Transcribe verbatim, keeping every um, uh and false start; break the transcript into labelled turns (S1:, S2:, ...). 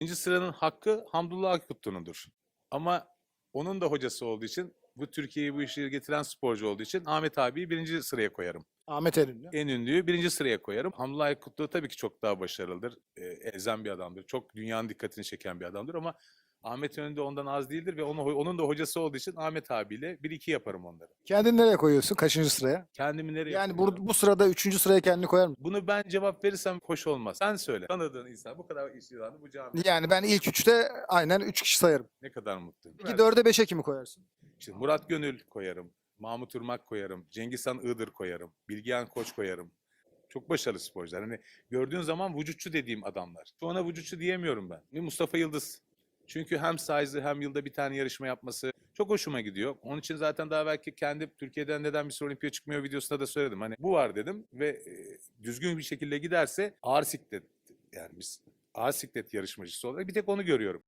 S1: İkinci sıranın hakkı Hamdullah Akutlu'nundur. Ama onun da hocası olduğu için, bu Türkiye'yi bu işe getiren sporcu olduğu için Ahmet abiyi birinci sıraya koyarım.
S2: Ahmet Eren'le.
S1: En ünlüyü birinci sıraya koyarım. Hamdullah Aykutlu tabii ki çok daha başarılıdır. E, ezen bir adamdır. Çok dünyanın dikkatini çeken bir adamdır ama Ahmet önünde ondan az değildir ve onu, onun da hocası olduğu için Ahmet abiyle bir iki yaparım onları.
S2: Kendini nereye koyuyorsun? Kaçıncı sıraya?
S1: Kendimi nereye
S2: Yani
S1: koyuyorum?
S2: bu, bu sırada üçüncü sıraya kendini koyar mısın?
S1: Bunu ben cevap verirsem hoş olmaz. Sen söyle. Tanıdığın insan bu kadar işlerini bu cami.
S2: Yani ben ilk üçte aynen üç kişi sayarım.
S1: Ne kadar mutluyum.
S2: Peki dörde beşe kimi koyarsın?
S1: İşte Murat Gönül koyarım. Mahmut Irmak koyarım. Cengizhan Iğdır koyarım. Bilgehan Koç koyarım. Çok başarılı sporcular. Hani gördüğün zaman vücutçu dediğim adamlar. Şu ana vücutçu diyemiyorum ben. Ve Mustafa Yıldız. Çünkü hem size'ı hem yılda bir tane yarışma yapması çok hoşuma gidiyor. Onun için zaten daha belki kendi Türkiye'den neden bir olimpiya çıkmıyor videosunda da söyledim. Hani bu var dedim ve e, düzgün bir şekilde giderse ağır siklet, yani biz ağır siklet yarışmacısı olarak bir tek onu görüyorum.